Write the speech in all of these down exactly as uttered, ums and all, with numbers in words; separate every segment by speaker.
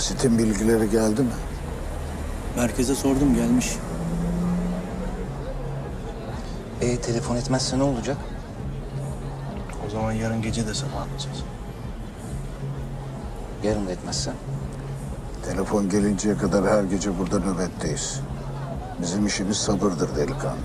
Speaker 1: Basit'in bilgileri geldi mi?
Speaker 2: Merkeze sordum, gelmiş.
Speaker 3: E telefon etmezse ne olacak?
Speaker 2: O zaman yarın gece de sabah alacağız.
Speaker 3: Yarın da etmezse?
Speaker 1: Telefon gelinceye kadar her gece burada nöbetteyiz. Bizim işimiz sabırdır delikanlı.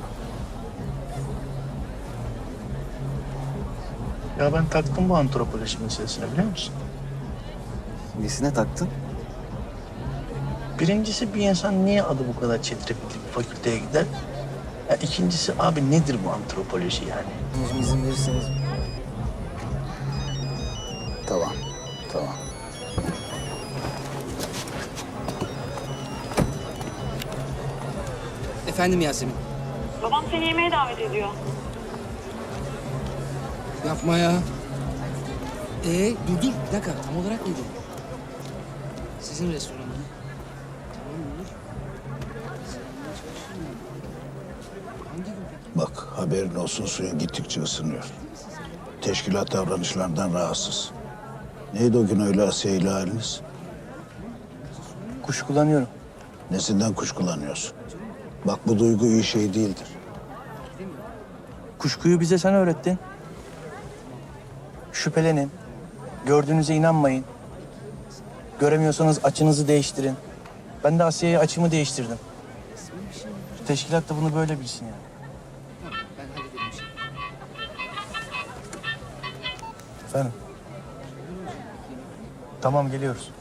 Speaker 2: Ya ben taktım bu antropoloji meselesine, biliyor musun?
Speaker 3: Nesine taktın?
Speaker 2: Birincisi, bir insan niye adı bu kadar çetrefilli bir fakülteye gider? Ya ikincisi, abi nedir bu antropoloji yani?
Speaker 3: Şimdi izin verirseniz.
Speaker 1: Tamam, tamam.
Speaker 4: Efendim Yasemin.
Speaker 5: Babam seni yemeğe davet ediyor.
Speaker 4: Yapma ya. Ee, dur dur. Bir dakika. Tam olarak neydi? Sizin restoranı. Tamam olur. Seninle çalışayım mı? Hangi gün peki?
Speaker 1: Bak, haberin olsun, suyun gittikçe ısınıyor. Teşkilat davranışlarından rahatsız. Neydi o gün öyle Asiye ile haliniz?
Speaker 2: Kuşkulanıyorum.
Speaker 1: Nesinden kuşkulanıyorsun? Bak, bu duygu iyi şey değildir.
Speaker 2: Kuşkuyu bize sen öğrettin. Şüphelenin. Gördüğünüze inanmayın. Göremiyorsanız açınızı değiştirin. Ben de Asya'ya açımı değiştirdim. Teşkilat da bunu böyle bilsin yani.
Speaker 4: Tamam, ben hallederim şimdi.
Speaker 2: Efendim? Tamam, geliyoruz.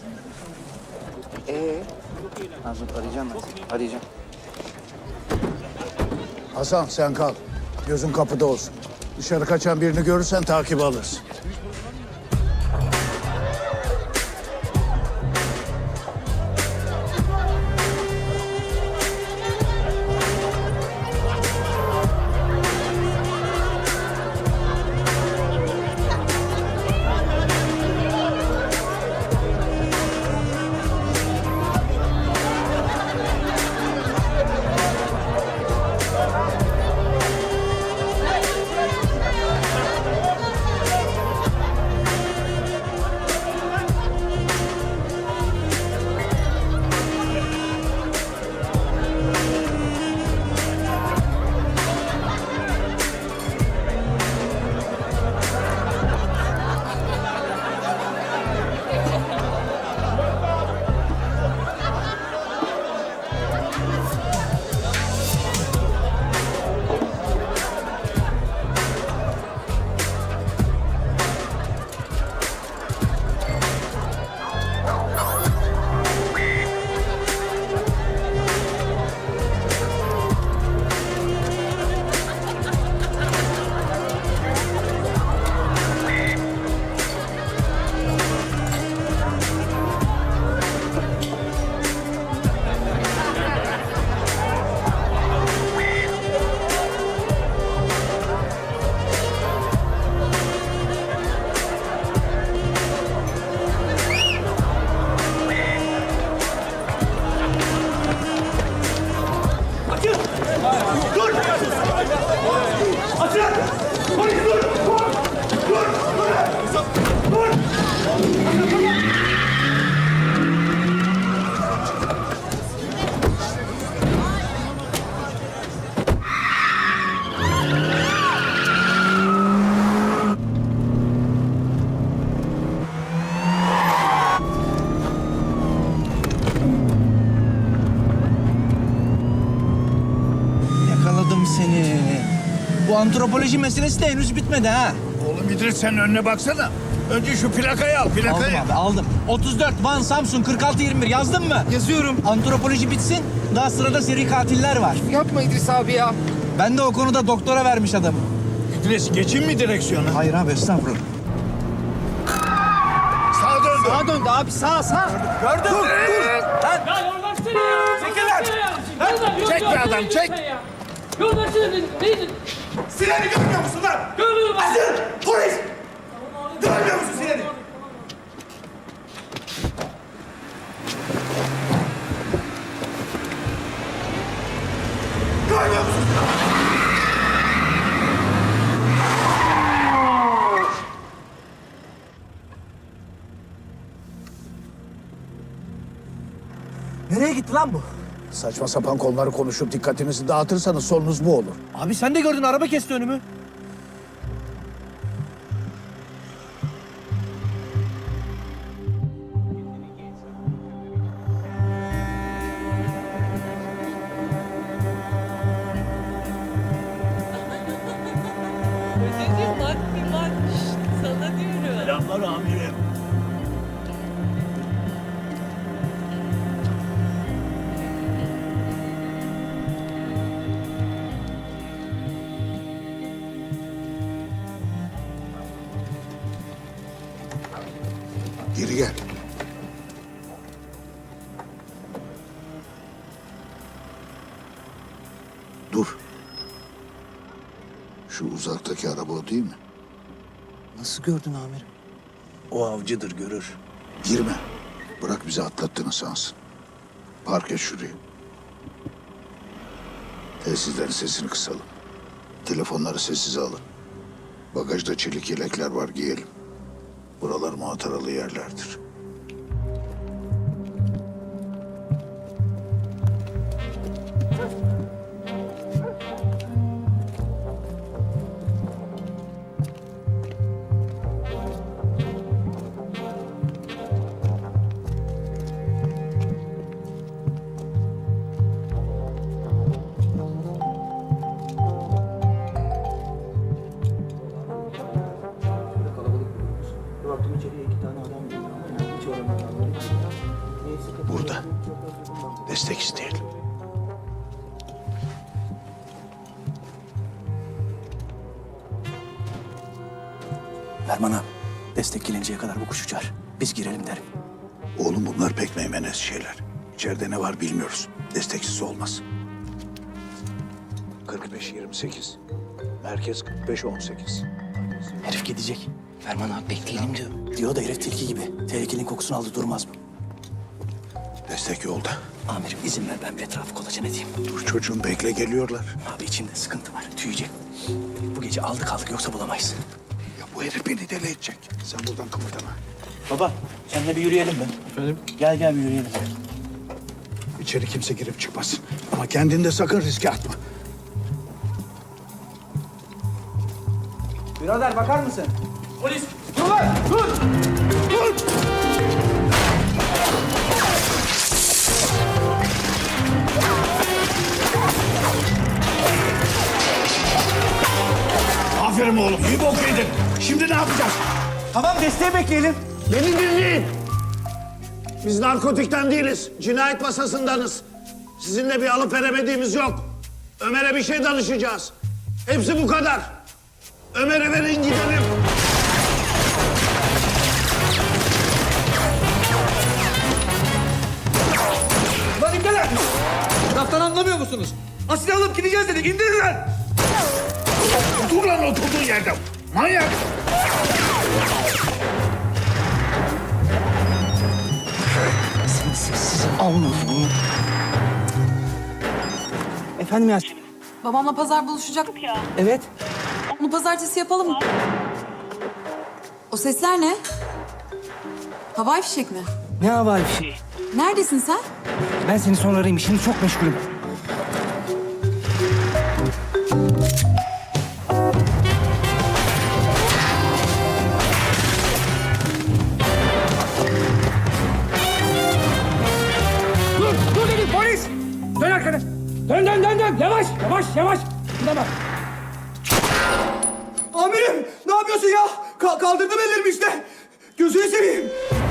Speaker 3: Ee? Ha, dur, arayacağım ben. Arayacağım.
Speaker 1: Hasan, sen kal. Gözün kapıda olsun. Dışarı kaçan birini görürsen takibi alırsın.
Speaker 2: Yakaladım seni. Bu antropoloji meselesi de henüz bitmedi ha.
Speaker 1: Oğlum İdris, sen önüne baksana. Önce şu plakayı al,
Speaker 2: Aldım
Speaker 1: plakayı.
Speaker 2: abi, aldım. otuz dört Van Samsun kırk altı yirmi bir yazdın mı?
Speaker 6: Yazıyorum.
Speaker 2: Antropoloji bitsin. Daha sırada seri katiller var.
Speaker 6: Yapma İdris abi ya.
Speaker 2: Ben de o konuda doktora vermiş adamım.
Speaker 1: İdris, geçin mi direksiyona?
Speaker 2: Hayır abi, estağfurullah.
Speaker 1: Sağa döndü.
Speaker 6: Sağa döndü abi, sağ sağ.
Speaker 1: Gördün mü?
Speaker 7: Ya yol versene ya!
Speaker 1: Çekil lan!
Speaker 7: Yol ver,
Speaker 1: Çek
Speaker 7: yol
Speaker 1: be
Speaker 7: ver,
Speaker 1: adam,
Speaker 7: yol
Speaker 1: çek!
Speaker 7: versene ya. Yol versene dedim, neydin?
Speaker 8: Sireni görmüyor musun lan?
Speaker 7: Görmüyorum abi.
Speaker 8: Polis! Görmüyor musun sireni? Görmüyor musun?
Speaker 6: lan bu?
Speaker 1: Saçma sapan konuları konuşup dikkatinizi dağıtırsanız sonunuz bu olur.
Speaker 6: Abi sen de gördün, araba kesti önümü.
Speaker 9: Öteciğim bak bir bak. Şşt, sana diyorum.
Speaker 1: Selamlar amirim. Geri gel. Dur. Şu uzaktaki araba o değil mi?
Speaker 3: Nasıl gördün amirim?
Speaker 1: O avcıdır, görür. Girme. Bırak bizi atlattığını sansın. Park et şurayı. Telsizlerin sesini kısalım. Telefonları sessize alın. Bagajda çelik yelekler var, giyelim. Buralar muhataralı yerlerdir. Burada. Destek isteyelim.
Speaker 2: Ferman abi, destek gelinceye kadar bu kuş uçar. Biz girelim derim.
Speaker 1: Oğlum bunlar pek meymenez şeyler. İçeride ne var bilmiyoruz. Desteksiz olmaz. kırk beş yirmi sekiz. Merkez kırk beş on sekiz.
Speaker 2: Herif gidecek.
Speaker 4: Ferman abi bekleyelim diyor.
Speaker 2: Diyor da herif tilki gibi. Tehlikenin kokusunu aldı, durmaz mı?
Speaker 1: Destek yolda.
Speaker 2: Amirim izin ver, ben bir etrafı kolaçan edeyim.
Speaker 1: Dur çocuğum, bekle, geliyorlar.
Speaker 2: Abi içimde sıkıntı var, tüyecek. Bu gece aldık kaldık, yoksa bulamayız.
Speaker 1: Ya bu herif beni deli edecek. Sen buradan kımıldama.
Speaker 2: Baba, seninle bir yürüyelim mi? Efendim? Gel gel bir yürüyelim.
Speaker 1: İçeri kimse girip çıkmasın. Ama kendini de sakın riske atma.
Speaker 6: Birader bakar mısın?
Speaker 7: Polis.
Speaker 6: Dur lan, dur! Dur!
Speaker 1: Aferin oğlum, iyi bok yedin. Şimdi ne yapacağız?
Speaker 6: Tamam, desteği bekleyelim.
Speaker 8: Beni dinleyin. Biz narkotikten değiliz. Cinayet masasındanız. Sizinle bir alıp veremediğimiz yok. Ömer'e bir şey danışacağız. Hepsi bu kadar. Ömer'e verin gidelim.
Speaker 6: Lan imdeler! Laftan anlamıyor musunuz? Asil alıp gideceğiz dedik, indirin lan!
Speaker 1: Dur lan oturduğun yerde. Manyak.
Speaker 2: Sen sessiz almıyorsun.
Speaker 6: Efendim Yasemin?
Speaker 9: Babamla pazar buluşacaktık ya.
Speaker 6: Evet.
Speaker 9: Onu pazartesi yapalım mı? O sesler ne? Havai fişek mi?
Speaker 6: Ne havai bir şey?
Speaker 9: Neredesin sen?
Speaker 6: Ben seni sonra arayayım, şimdi çok meşgulüm. Dur, dur dedim polis! Dön arkana! Dön, dön, dön, dön! Yavaş, yavaş, yavaş! Buna bak! Amirim, ne yapıyorsun ya? Ka- kaldırdım ellerimi işte! Gözünü seveyim!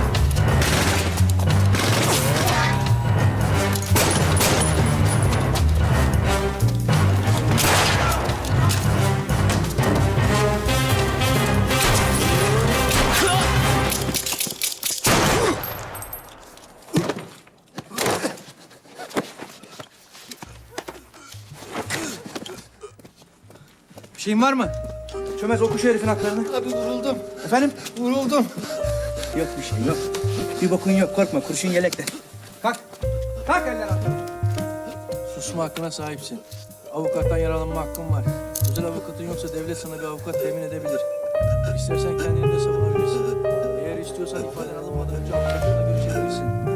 Speaker 6: Bir şeyin var mı? Çömez oku şu herifin haklarını.
Speaker 4: Abi vuruldum.
Speaker 6: Efendim?
Speaker 4: Vuruldum.
Speaker 6: Yok bir şey yok. Bir bokun yok, korkma, kurşun yelekte. Kalk. Kalk eller altına.
Speaker 2: Susma hakkına sahipsin. Avukattan yararlanma hakkın var. Özel avukatın yoksa devlet sana bir avukat temin edebilir. İstersen kendini de savunabilirsin. Eğer istiyorsan ifadeni alınmadan önce avukatla görüşebilirsin.